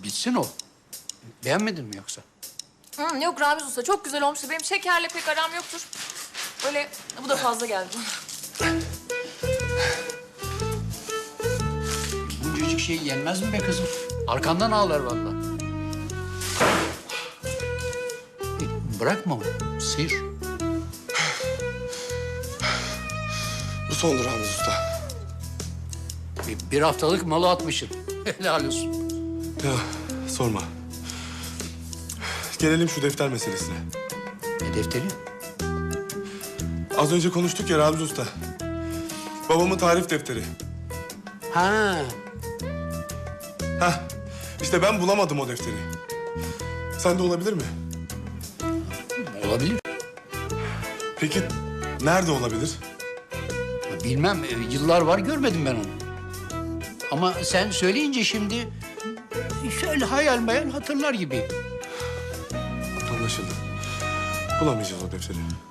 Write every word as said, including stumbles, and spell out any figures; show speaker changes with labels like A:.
A: Bitsin o. Beğenmedin mi yoksa?
B: Hı, yok Ramiz Usta çok güzel olmuştu. Benim şekerle pek aram yoktur. Öyle bu da fazla geldi bana.
A: Buncacık şey yenmez mi be kızım? Arkandan ağlar vallahi. E, Bırakma onu. Sıyır.
C: Bu sondur Ramiz Usta.
A: Bir, bir haftalık malı atmışsın. Helal olsun.
C: Ya sorma. Gelelim şu defter meselesine.
A: Ne defteri?
C: Az önce konuştuk ya Ramiz Usta. Babamın tarif defteri.
A: Ha,
C: Heh, işte ben bulamadım o defteri. Sende olabilir mi?
A: olabilir.
C: Peki nerede olabilir?
A: Bilmem, e, yıllar var görmedim ben onu. Ama sen söyleyince şimdi şöyle hayal meyal hatırlar gibiyim.
C: Anlaşıldı. Bulamayacağız o defteri.